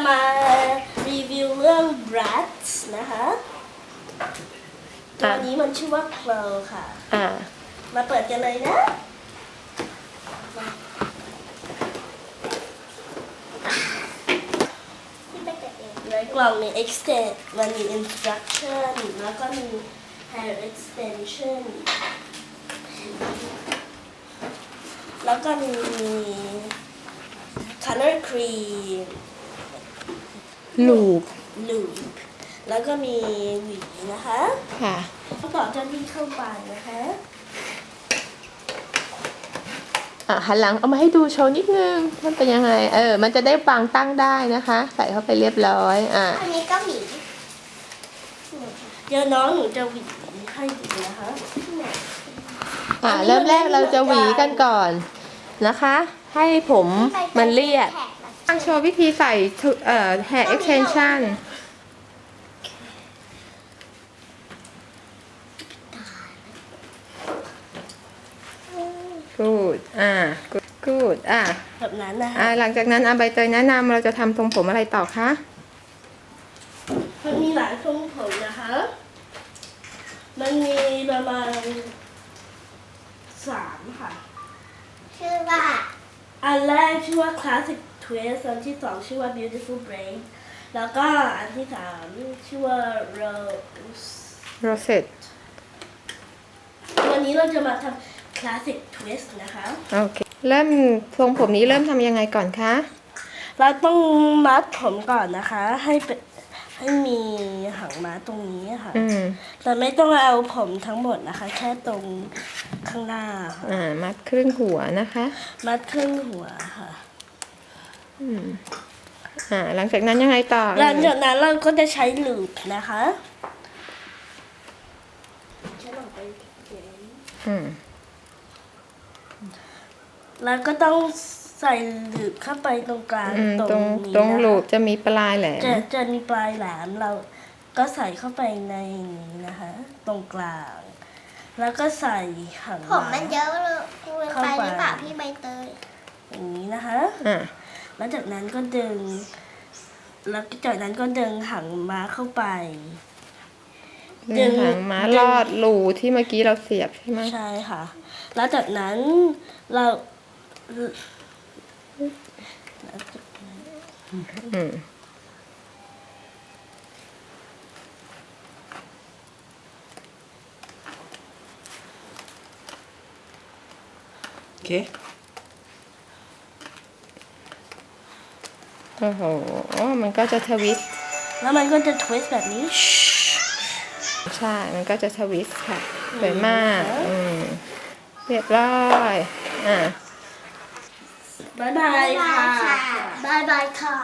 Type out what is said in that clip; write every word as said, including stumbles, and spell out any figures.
มารีวิวเรื่อง Bratz นะคะตัวนี้มันชื่อว่า Chloe ค่ะอ่ามาเปิดกันเลยนะในกล่องมี extend มันมี instruction แล้วก็มี hair extension แล้วก็มี color cream ลูป loop แล้วก็มีหวีนะคะค่ะต่อเจ้าที่เข้าไปนะคะอ่ะหันหลังเอามาให้ดูโชว์นิดนึงมันเป็นยังไง เออ มันจะได้วางตั้งได้นะคะ ใส่เข้าไปเรียบร้อย อ่ะอันนี้ก็หวีเดี๋ยวน้องหนูจะหวีให้ดูนะคะอ่ะเริ่มแรกเราจะหวีกันก่อนนะคะ ให้ผมมันเรียบตั้งโชว์วิธีใส่เอ่อ hair extension good อ่า good good อ่าแบบนั้นนะคะอ่าหลังจากนั้นอาใบเตยแนะนำเราจะทำทรงผมอะไรต่อคะมันมีหลายทรงผมนะคะ มันมีประมาณสามค่ะชื่อว่าอันแรกชื่อว่า Classic Twist อันที่สองชื่อว่า Beautiful Braid แล้วก็อันที่สามชื่อว่า Rose rosette วันนี้เราจะมาทำ Classic Twist นะคะโอเค เริ่มทรงผมนี้เริ่มทำยังไงก่อนคะเราต้องมัดผมก่อนนะคะ ให้เป็นให้มีหางม้าตรงนี้ค่ะอืมแต่ไม่ต้องเอาผมทั้งหมดนะคะ แค่ตรงข้างหน้าค่ะอ่า มัดครึ่งหัวนะคะมัดครึ่งหัวค่ะอืม อ่า หลังจากนั้นยังไงต่อหลังจากนั้นเราก็จะใช้ลูปนะคะฉันออกไปเขียนอืมแล้วก็ต้องใส่ลูปเข้าไปตรงกลางอืมตตรรง งนี้ตรงนะคะลูปจะมีปลายแหลมจะจะมีปลายแหลมเราก็ใส่เข้าไปในนี้นะคะ ตรงกลาง แล้วก็ใส่หางผมมันเยอะเลยเกินไปหรือเปล่าพี่ใบเตยอย่างนี้นะคะอ่าแล้วจากนั้นก็ดึง แล้วจากนั้นก็ดึงหางม้าเข้าไป ดึดึงงหางม้าลอดรูที่เมื่อกี้เราเสียบใช่ไหมใช่ค่ะ แล้วจากนั้นเราแล้วจากนั้นอืมโอเคโอ้โห มันก็จะทวิสต์แล้วมันก็จะทวิสต์แบบนี้ใช่ มันก็จะทวิสต์ค่ะ สวยมาก อืม เรียบร้อย อ่าบ๊ายบายบ๊ายบายค่ะค่ะบ๊ายบายค่ะ